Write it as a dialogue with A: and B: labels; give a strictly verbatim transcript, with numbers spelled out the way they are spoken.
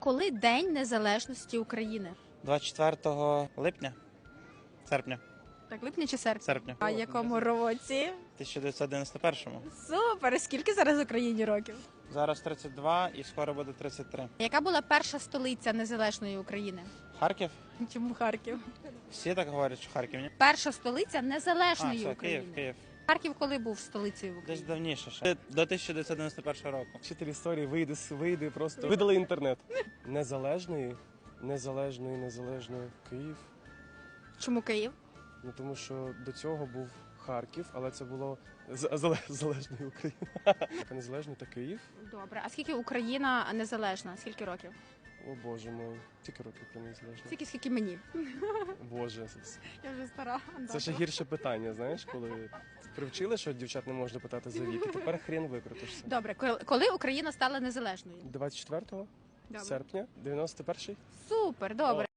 A: Коли День Незалежності України?
B: двадцять четвертого липня? Серпня.
A: Так, липня чи серпня?
B: Серпня.
A: А якому році?
B: тисяча дев'ятсот дев'яносто першому.
A: Супер! Скільки зараз Україні років?
B: Зараз тридцять два і скоро буде тридцять три.
A: Яка була перша столиця незалежної України?
B: Харків?
A: Чому Харків?
B: Всі так говорять, що Харків, ні?
A: Перша столиця
B: А,
A: незалежної
B: все,
A: України.
B: Київ, Київ.
A: Харків коли був столицею
B: Десь
A: України?
B: давніше ще. До тисяча дев'ятсот дев'яносто першого року.
C: Вчитель історії вийде, вийде просто. Видали інтернет. Незалежної, незалежної, незалежної Київ.
A: Чому Київ?
C: Ну тому що до цього був Харків, але це було з- зале- залежної України. А незалежний та Київ.
A: Добре. А скільки Україна незалежна? Скільки років?
C: О боже мой. Скільки років про незалежність?
A: Скільки, скільки мені?
C: Боже.
A: Я вже стара.
C: Це ще гірше питання, знаєш, коли привчили, що дівчат не можна питати за вік, і тепер хрен викрутишся.
A: Добре, коли- коли Україна стала незалежною?
C: двадцять четвертого
A: Добре.
C: серпня, дев'яносто перший.
A: Супер, добре.